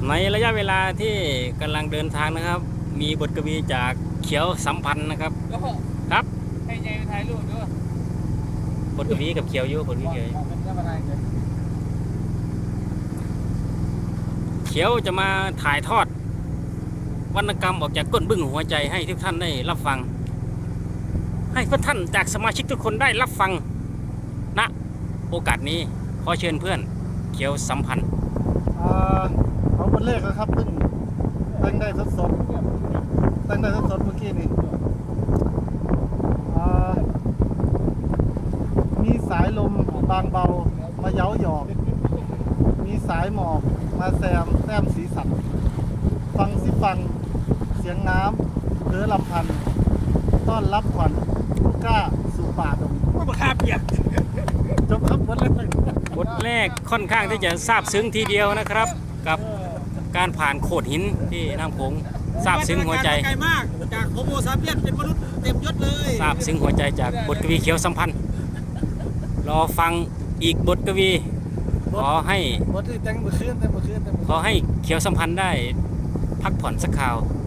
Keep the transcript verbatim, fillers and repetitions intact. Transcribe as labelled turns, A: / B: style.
A: ในระยะเวลาที่กำลังเดินทางนะครับ มีบทกวีจากเขียวสัมพันธ์นะครับครับ
B: ให้ยายไปถ่ายรูปด้วย
A: บทกวีกับเขียวอยู่บทกวีเขียวเขียวจะมาถ่ายทอดวรรณกรรมออกจากก้นบึ้งหัวใจให้ทุกท่านได้รับฟัง ให้เพื่อนท่านจากสมาชิกทุกคนได้รับฟังณโอกาสนี้ขอเชิญเพื่อนเขียวสัมพันธ์
C: เอาบทเลขนะครับเพิ่งตั้งได้สดสดตั้งได้สดสดเมื่อกี้นี่มีสายลมบางเบามาเย้าหยอกมีสายหมอกมาแซมแต้มสีสันฟังสิฟังเสียงน้ำเดือลำพันต้อนรับขวัญลูกก้าสู่ป่าดง
B: ว่าคาเปียก
C: จบครับบทแรก
A: บทแรกค่อนข้างที่จะซาบซึ้งทีเดียวนะครับ กับการผ่านโขดหินที่น้ำโขงซาบซึ้งหัวใจ
B: ไกลมากจากโฮโมซาเปียนเป็นมนุษย์เต็มยศเลย
A: ซาบซึ้งหัวใจจากบทกวีเขียวสัมพันธ์รอฟังอีกบทกวีขอให้
C: บทที่แต่งเมื่อคืนแต่เมื่อคืน
A: ขอให้เขียวสัมพันธ์ได้พักผ่อนสักคราว